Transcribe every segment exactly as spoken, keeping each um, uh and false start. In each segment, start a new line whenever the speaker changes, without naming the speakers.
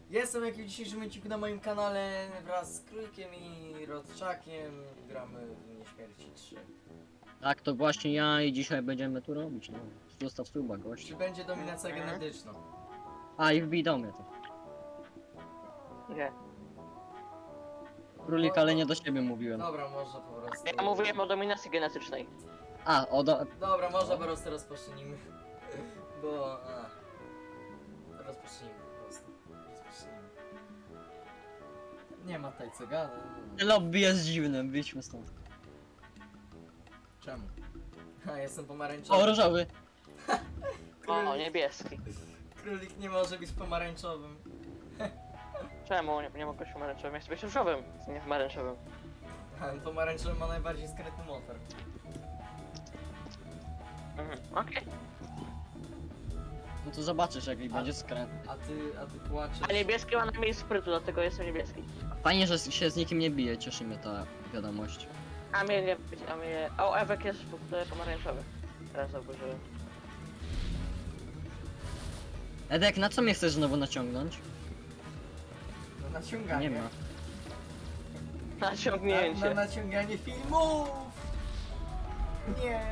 Jestem jak w dzisiejszym odcinku na moim kanale wraz z Królikiem i Rodczakiem. Gramy w Nieśmierci trzy.
Tak, to właśnie ja i dzisiaj będziemy tu robić, no. Zostaw suba, gość.
Czy będzie dominacja genetyczna?
A, i wbij do mnie to.
Nie.
Królik, ale nie do siebie mówiłem.
Dobra, można po prostu...
Ja mówiłem o dominacji genetycznej.
A, o do...
Dobra, można po prostu rozpocznijmy. Bo... A. Rozpocznijmy po prostu. Rozpocznijmy. Nie ma tutaj co gada.
Lobby jest dziwnym, wyjdźmy stąd.
Czemu? A, jestem pomarańczowy.
O, różowy!
O, niebieski.
Królik nie może być pomarańczowym.
Czemu? Nie, nie mogę być pomarańczowym. Ja chcę być różowym, nie pomarańczowym.
A, pomarańczowy ma najbardziej skrytny motor.
Mhm. Okej.
No to zobaczysz, jak będzie skrętny.
A ty, a ty płaczesz.
A niebieski ma najmniej sprytu, dlatego jestem niebieski.
Fajnie, że się z nikim nie bije, cieszy mnie ta wiadomość.
A mnie nie... A mnie... O, Ewek jest w ogóle pomarańczowy. Teraz zauważyłem.
Edek, na co mnie chcesz znowu naciągnąć?
No naciąganie.
Nie ma.
Na
Na,
ciągnięcie.
na naciąganie filmów! Nie!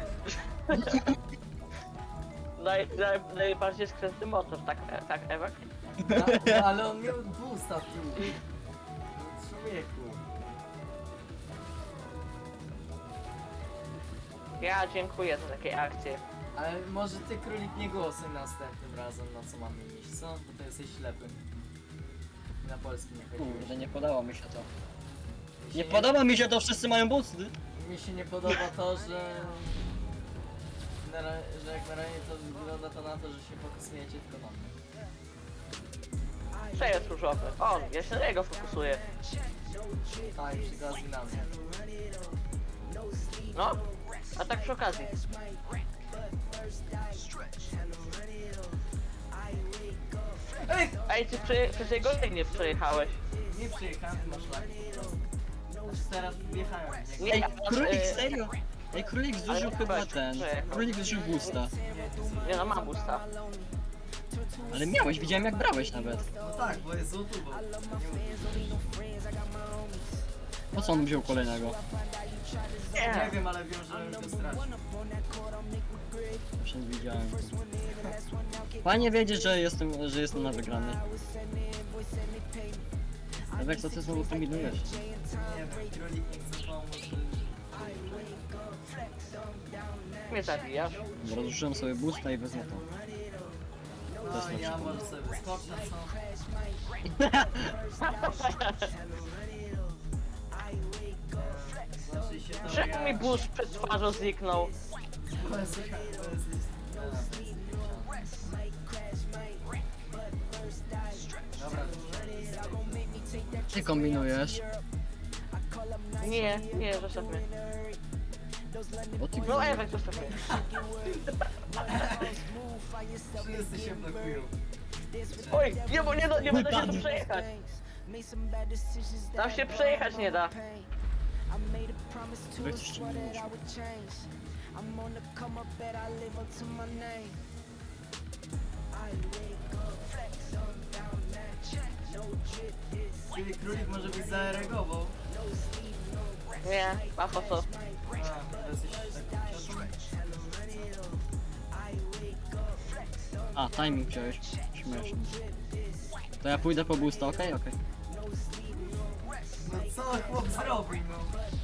Naj, naj, najbardziej skrętny motor, tak, e, tak Ewek?
A, no, ale on miał boosta tu. No, człowieku.
Ja dziękuję za takie akcje.
Ale może ty, Królik, nie głosuj następnym razem, na co mamy iść, co? Bo to jesteś ślepym. Na polski nie chodziłeś.
Kurde, nie podoba mi się to.
Mi się
Nie podoba mi się to, wszyscy mają busty.
Mi się nie podoba to, że... Na, ra- że jak na razie to wygląda to na to, że się fokusujecie tylko na mnie.
Co jest różowy? On, ja się na niego fokusuję.
Tak, przy okazji na mnie.
No, a tak przy okazji.
Ej!
Ej, ty przy, przez jego nie przejechałeś.
Nie przyjechałem, ty masz lagi po prostu. Znaczy teraz wjechałem w niego.
Nie,
Ej,
ja masz,
królik,
e,
serio? Ej, królik zużył
ale
chyba
weź,
ten.
przejechał.
Królik zużył busta.
Nie no, mam usta.
Ale miałeś, widziałem jak brałeś nawet.
No tak, bo jest złotu, bo nie,
Po co on wziął kolejnego?
nie
Nie.
wiem, ale wiem, że już go stracił.
Jeszcze nie widziałem. Fajnie wiedzieć, że jestem, że jestem na wygranej. Edek, co ty znowu kombinujesz?
Nie wiem, Królik nie chce pomóc.
Mnie zabijasz.
Rozrzuciłem sobie busta i wezmę to.
No i ja może sobie wyskoczę, co? Znaczy się to
Czemu mi bus przed twarzą zniknął?
To jest... To jest... Dobra,
Ty kombinujesz.
Nie, nie, zostaw mnie.
O ty
No Ewek, zostaw mnie.
wszyscy się blokują.
Oj, nie, bo nie, do- nie będę się tu przejechać. Tam się przejechać nie da.
Wy coś nie możesz.
Czyli Królik może być zareagował.
Nie, a po co?
A, to jesteś taką ciotą?
A, timing wziąłeś. Śmiesznie. To ja pójdę po busta, okej? Okej.
No co chłop zrobił, no?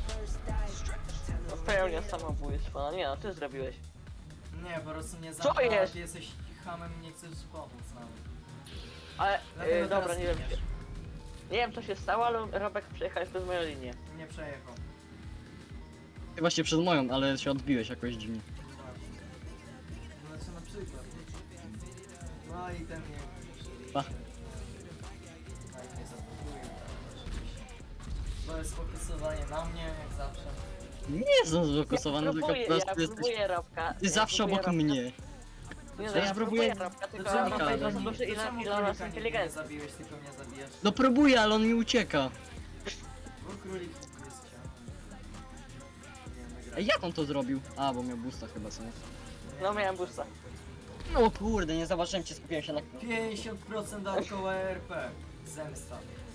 Pełnia samobójstwo. No nie no, ty zrobiłeś.
Nie, po prostu nie
Co
za...
jest?
Ty jesteś hamem i nie chcesz pomóc nawet.
Ale,
Dlatego
yy, dobra,
teraz
nie wiem.
zginiesz.
Nie wiem co się stało, ale Robek przejechałeś przez moją linię.
Nie przejechał.
Ty właśnie przez moją, ale się odbiłeś jakoś dziwnie.
Znaczy na przykład. No i ten nie...
Pa.
Tak, nie zablokuję, oczywiście. To jest fokusowanie na mnie, jak zawsze.
Nie jestem zfokusowany,
ja
tylko
próbuję,
po prostu
ja
jesteś...
próbuję Robka.
Ty
ja
zawsze
próbuję
obok
Robka.
mnie.
Nie no,
Teraz
ja
próbuję-
próbuję Robka, tylko
To czemu
mam
Królika
bardzo
nie-
duży
to
ile-
czemu
iloraz
królika nie, nie
inteligencji.
zabiłeś, tylko mnie zabijasz?
No próbuję, ale on mi ucieka.
Bo królik jest chciał. Nie, nagrać.
Ej, jak on to zrobił? A, bo miał busta chyba, co nie?
No miałem busta.
No kurde, nie zobaczyłem cię, skupiłem się na...
pięćdziesiąt procent dookoła R P. Zemsta.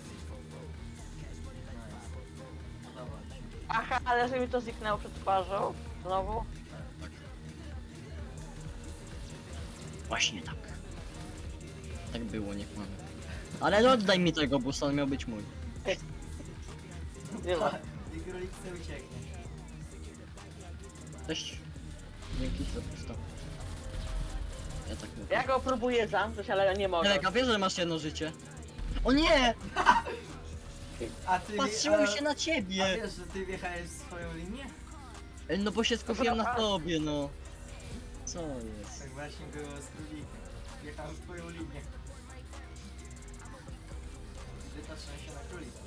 Nice. Podoba mi się.
Aha, ale że mi to zniknęło przed twarzą. Znowu?
Właśnie tak. Tak było, nie kłamę. Ale no oddaj mi tego busa, on miał być mój.
Nie ma.
I królik chce ucieknie.
Cześć. Dzięki za pusto. Ja tak mówię.
Ja go próbuję zamknąć, ale nie mogę.
Elek, a wiesz, że masz jedno życie? O nie!
A ty...
Patrzyłem
a-
się na
A
ciebie!
wiesz, że ty wjechałeś w swoją linię?
Ej, no bo się skupiłem na tobie, no. Co jest?
Tak właśnie było z królikiem. Wjechałem w twoją linię. Wypatrzyłem się na królika.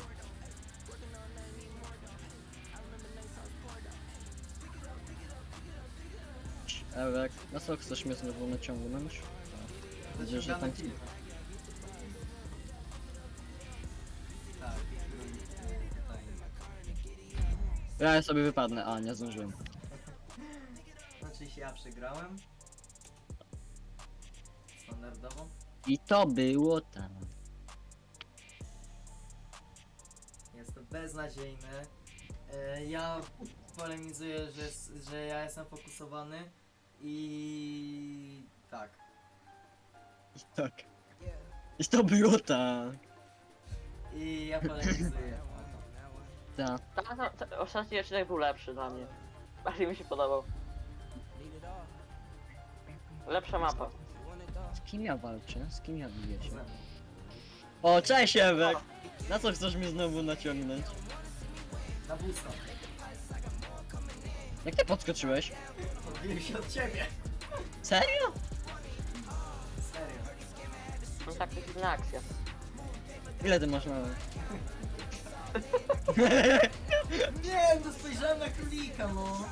Elek, na co chcesz mnie znowu naciągnąć? Widzę, że
Zaciągamy
tam...
kilka. Tak, królik tutaj.
Ja sobie wypadnę, a nie zdążyłem.
Znaczy się ja przegrałem. Standardowo.
I to było tam.
Jest to beznadziejne. E, ja polemizuję, że, s- że ja jestem fokusowany i tak.
I tak. I to było tak.
I ja polemizuję.
Tak.
Ta, ta, ta, ostatni odcinek był lepszy dla mnie. Bardziej mi się podobał. Lepsza mapa.
Z kim ja walczę? Z kim ja biję się?
Ze mną.
O, cześć Ewek! Na co chcesz mnie znowu naciągnąć?
Na busta.
Jak ty podskoczyłeś?
Odbiłem się od ciebie.
Serio?
Serio.
No tak, to jest inna akcja.
Ile ty masz mały?
Nie, no spojrzałem na królika, no.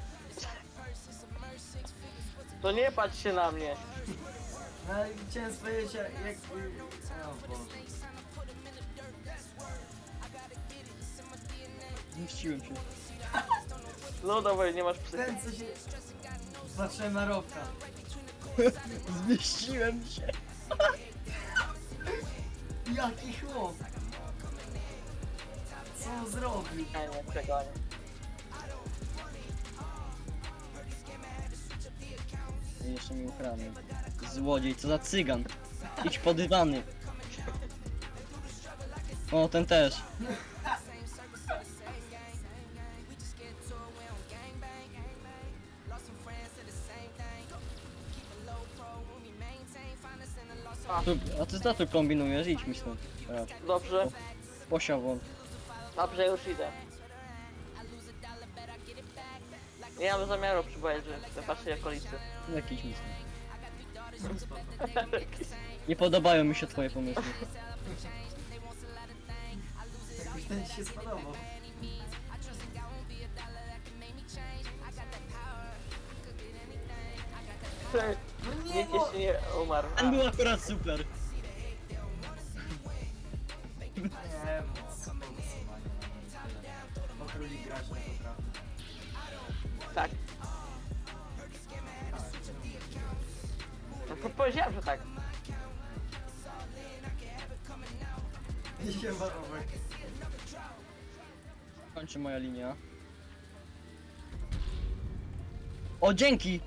To nie patrz się na mnie.
No ale chciałem powiedzieć jak... jak o Boże.
Zmieściłem się.
No dawaj, nie masz psy.
Ten co się... Patrzyłem na Robka.
Zmieściłem się.
Jaki chłop. Co on zrobił?
Nie, nie, przegonię.
I jeszcze mi ukradł. Złodziej, co za cygan. Idź podywany. O, ten też. Tu, a ty za to kombinujesz, idź mi stąd. Teraz.
Dobrze,
Posiał
dobrze, już idę. Nie mam zamiaru przybywać, że waszej okolicy.
jakiś mi stąd. Nie podobają mi się twoje pomysły.
Jakoś ten ci się spodobał. No nie,
Nikt
no.
jeszcze nie umarł.
Ten był akurat super.
Nie, no, sfokusowanie na nim tyle. Bo królik grać nie potrafi.
Tak, no, powiedziałem, że tak.
I się warowek.
Kończy moja linia. O, dzięki!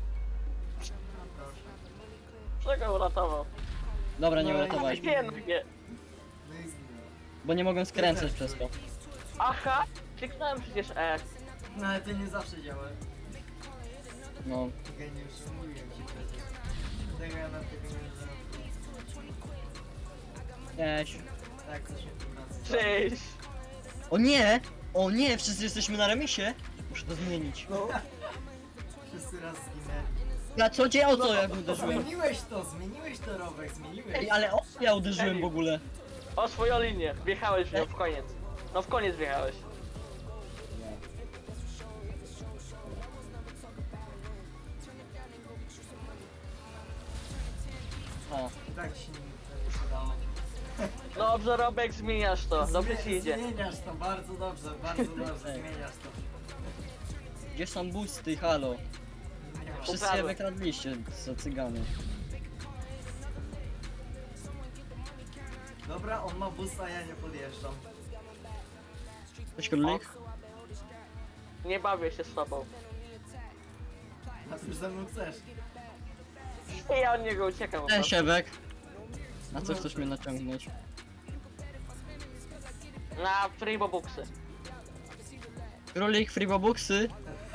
Czego uratował?
Dobra, nie
No i-
uratowałeś mnie,
Nie, no nie.
No i zginął.
bo nie mogłem skręcać przez to.
Aha, kliknąłem przecież E.
No ale to nie zawsze działa.
No.
Geniusz, mówiłem ci przecież. Tego ja na tego nie zrobię.
Cześć.
Tak, coś mi tu wraca.
Cześć.
O nie! O nie, wszyscy jesteśmy na remisie. Muszę to zmienić.
No.
Wszyscy raz zginęli.
Ja co cię o co jak uderzyłem?
Zmieniłeś to, zmieniłeś to, Robek, zmieniłeś.
Ej, ale o co ja uderzyłem w ogóle?
O swoją linię, wjechałeś w nią w koniec. No w koniec wjechałeś.
O,
I tak ci nie udało.
Dobrze, Robek, zmieniasz to. Dobrze ci idzie.
Zmieniasz to, bardzo dobrze, bardzo dobrze, zmieniasz to.
gdzie są busty, halo?
Nie ma.
Wszyscy je
Ukradłem.
wykradliście, co cygany.
Dobra, on ma busta, ja nie podjeżdżam.
Cześć królik?
Nie bawię się z tobą.
A ty już ze mną chcesz.
I ja od niego uciekam. po
Cześć
prostu.
Ewek. Na co chcesz mnie naciągnąć?
Na freebobuksy.
Królik freebobuksy?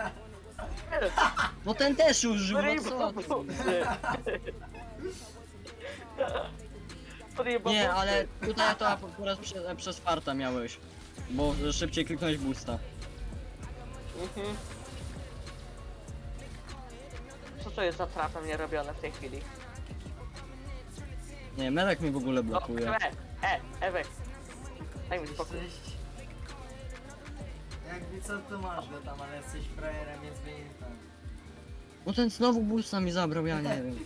No ten też użył, no co ty?
Freebobuksy. Freebobuksy.
Nie, ale tutaj to akurat prze, przez farta miałeś. Bo szybciej kliknąłeś boosta.
Mhm. Co to jest za trapem nie robione w tej chwili?
Nie, Medek mi w ogóle
No,
blokuje.
e, e, Ewek. Daj mi spokój.
Cześć. Jakby co to masz go tam, ale jesteś frajerem, więc mnie nie tam.
No ten znowu boosta mi zabrał, ja nie wiem.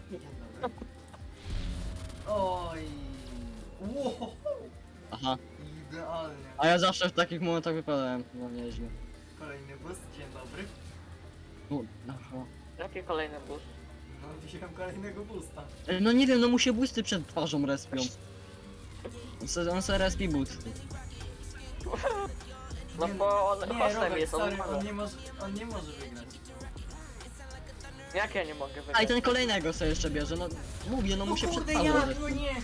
Oj. Wow.
Aha.
Idealnie.
A ja zawsze w takich momentach wypadałem. No nieźle.
Kolejny boost, dzień dobry.
No, aha.
Jaki kolejny bus?
No wziąłem kolejnego boosta.
Ej, no nie wiem, no mu się boosty przed twarzą respią. On se, on se respi boosty.
No
Nie,
bo on
nie,
hostem
Robert,
jest, on
sorry,
może.
on nie może, on nie może wygrać.
Jak ja nie mogę
A i
wygrać?
ten kolejnego sobie jeszcze bierze, no mówię, no mu się przed
kurde,
twarzą
ja,
respi.
no nie.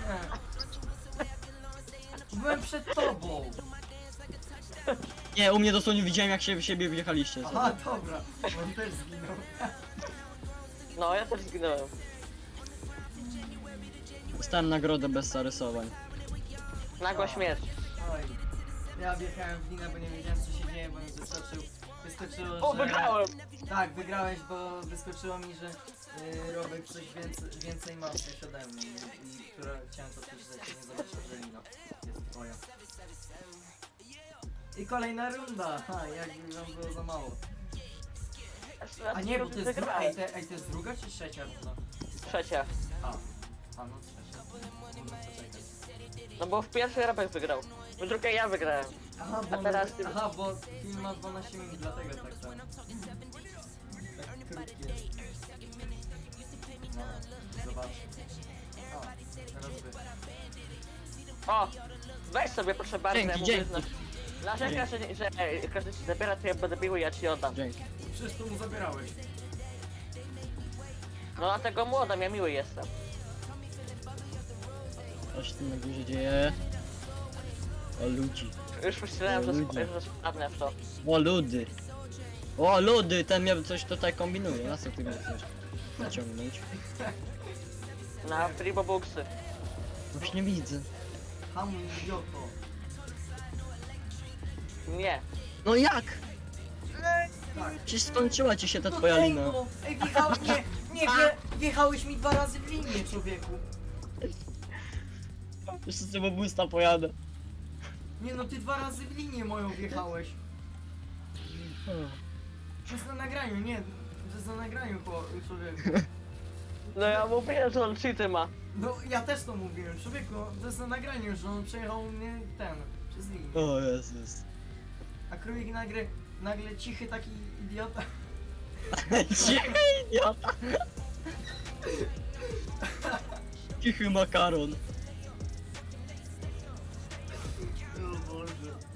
Byłem przed tobą.
Nie, u mnie dosłownie widziałem jak się w siebie wjechaliście.
Aha, dobra. On też zginął.
No, ja też zginąłem.
Dostałem nagrodę bez zarysowań.
Nagła śmierć.
Oj. Ja wjechałem w linę, bo nie wiedziałem co się dzieje, bo mi wyskoczył. Wyskoczyło,
O,
że...
wygrałem!
Tak, wygrałeś, bo wyskoczyło mi, że yy, Robek coś więcej, więcej ma coś ode mnie i, i która chciałem to też że nie zobaczyć, że lina jest twoja. I kolejna runda, ha, jakby wam było za mało. A nie, bo to jest druga, ej, te, ej, to jest druga czy trzecia runda?
Trzecia.
A, a no trzecia. No, no to czekaj.
No bo w pierwszej Robek wygrał. W drugiej ja wygrałem.
Aha,
A
bo,
teraz
my,
ty-
aha, bo film ma dwanaście minut, dlatego tak samo. Tak krótki jest. No, zobacz. O, teraz wy.
O! Weź sobie proszę bardzo,
Dzięki,
ja mówię,
dzięki.
że... Narzekasz, że, że e, każdy ci zabiera, to ja będę bił i ja ci oddam.
Dzięki.
Przecież to mu zabierałeś.
No dlatego mu oddam, ja miły jestem.
Co się tu na górze dzieje? O ludzi.
Już myślałem, że,
Ludzie.
sp- że spadnę w to.
O ludy. O ludy, ten mnie coś tutaj kombinuje. Na co ty mnie chcesz naciągnąć?
Na freebobuksy.
Właśnie widzę.
Hamuj, idioto.
Nie.
No jak?
Tak.
Przecież skończyła ci się ta
No
twoja
ej,
lina.
no, ej, wjechałeś, nie, nie, wje, wjechałeś mi dwa razy w linię, człowieku.
Jeszcze z tego boosta pojadę.
Nie no, ty dwa razy w linię moją wjechałeś. To jest na nagraniu, nie, to jest na nagraniu, chło- człowieku.
No ja mówiłem, że on cheaty ma.
No, ja też to mówiłem, człowieku, to jest na nagraniu, że on przejechał mnie ten, przez linię.
O Jezus.
A królik nagle, nagle cichy taki idiota.
Cichy idiota. Cichy makaron.
O Boże.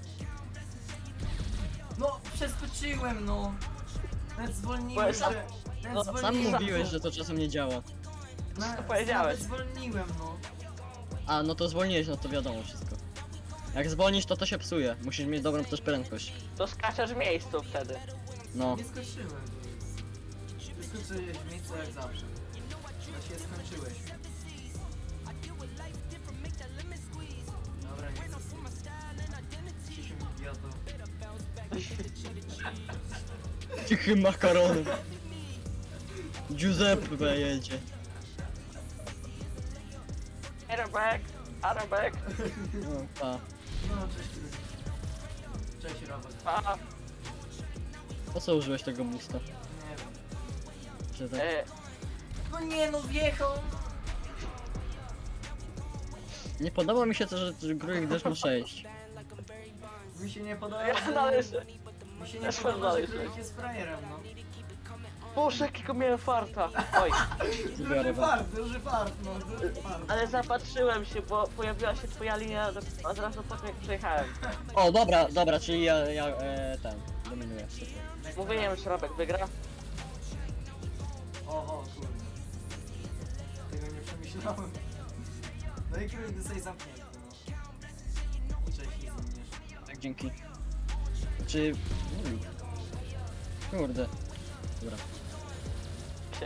No, przeskoczyłem, no. Nawet zwolniłem,
Bo sam-
że... Nawet
no, sam
Sam
zwolniłem,
mówiłeś, że to czasem nie działa.
Na,
to powiedziałeś.
Nawet zwolniłem, no.
A, no to zwolniłeś, no to wiadomo wszystko. Jak zwolnisz, to to się psuje. Musisz mieć dobrą też prędkość.
To skaczesz w miejscu wtedy.
No.
Nie skoczyłem. Wyskoczyłeś w miejscu jak zawsze. No się skończyłeś. Dobra, nie chcę. Ciszym idiotą.
Cichy makaron. Giuseppe jedzie.
Arabek, Arabek.
No, pa.
No, cześć królik. Cześć Robert.
A,
Po co użyłeś tego boosta?
Nie wiem.
Że tak...
e,
No nie no, wjechał!
Nie podoba mi się to, że Grójek też ma sześć.
Mi się nie podoba,
ja
że...
należę.
Mi się nie
Ja
podoba, że
należę.
królik jest frajerem, no.
Boże, jakiego miałem farta. Oj,
Duży
Biorę was.
fart, duży fart, no, duży fart.
ale zapatrzyłem się, bo pojawiła się twoja linia do- od razu po tym jak przejechałem.
O, dobra, dobra, czyli ja, ja e, ten, dominuję. Super.
Mówiłem, że Robek wygra.
O, o, kurde. Tego nie przemyślałem. No i kierunek zostaje zamknięty, no. Cześć, nie zmienisz.
Tak, dzięki. Czy... Mm. Kurde. Dobra.
Się.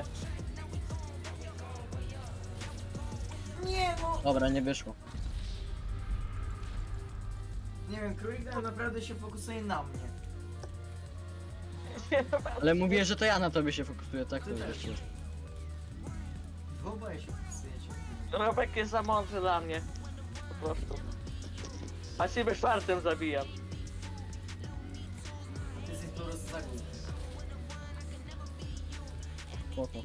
Nie, no!
Dobra, nie wyszło.
Nie wiem, królik tam naprawdę się fokusuje na mnie.
Ale mówię, że to ja na tobie się fokusuję, tak?
Ty
To
też.
wiesz.
Wy oboje się fokusujecie.
Robek jest za mądry dla mnie. Po prostu. A ciebie czwartym zabijam.
Ty jesteś po prostu za głupi.
Spoko.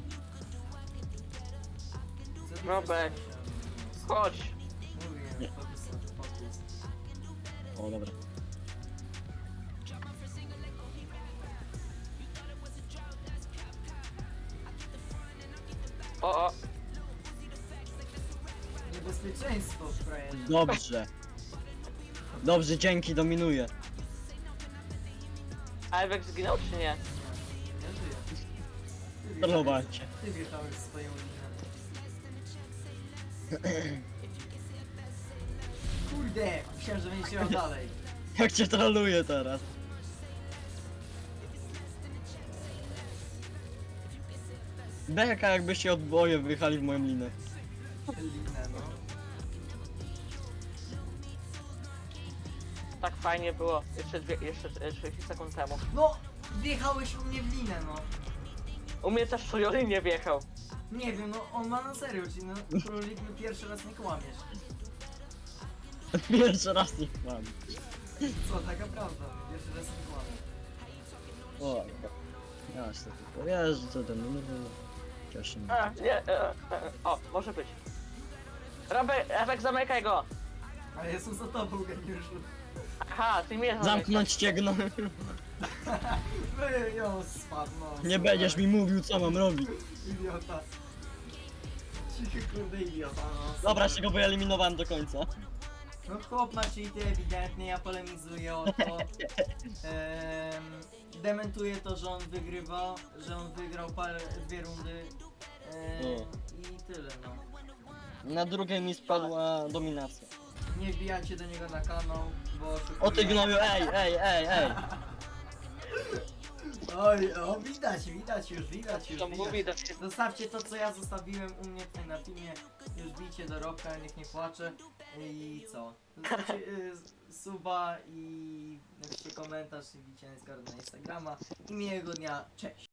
Co ty
Robek.
chcesz?
Chodź.
Mówię, fokus, fokus.
O, dobra.
O, o.
Niebezpieczeństwo w frajerze.
Dobrze. Dobrze, dzięki, dominuję.
A Ewek zginął czy nie?
Nie, nie żyję. Ty wjechałeś-
Trollowacie.
Ty wjechałeś w swoją linę. Kurde, myślałem, że będziesz jechał dalej.
Jak cię trolluję teraz? Beka, jakbyście odboje wyjechali w moją linę.
Linę, no.
Tak fajnie było. Jeszcze, dwie, jeszcze e, trzydzieści sekund temu.
No, wjechałeś u mnie w linę, no.
U mnie też Sojoli nie wjechał.
Nie wiem, no on ma na serio, czyli no królik, no pierwszy raz nie kłamiesz.
Pierwszy raz nie mam.
Co, taka prawda, pierwszy raz nie kłamiesz.
O, ja się tylko wiesz, co dominuję. Cieszę mnie.
A, nie, e, e, o, może być. Robek, Ewek, zamykaj go.
Ale jestem za tobą, geniuszu.
Aha, ty mnie zamykasz.
Zamknąć ciegno.
Wy, jo, spadł, no.
Nie
super.
będziesz mi mówił, co mam robić.
Idiota. Cichy kurde idiota, no.
Dobra,
super.
się go wyeliminowałem do końca.
No chłop ma cheaty ewidentnie, ja polemizuję o to. Ehm, dementuję to, że on wygrywa, że on wygrał parę, dwie rundy. Ehm,
O.
I tyle, no.
Na drugiej mi spadła dominacja.
Nie wbijajcie do niego na kanał, bo oszukuje.
O ty gnoju, ej, ej, ej, ej.
Oj, o widać, widać już, widać już,
To
widać.
mówi do ciebie.
Zostawcie to, co ja zostawiłem u mnie tutaj na filmie. Już bijcie do Robka, niech nie płacze. I co? Zostawcie y, suba i napiszcie komentarz i bicie na Instagrama. I miłego dnia, cześć!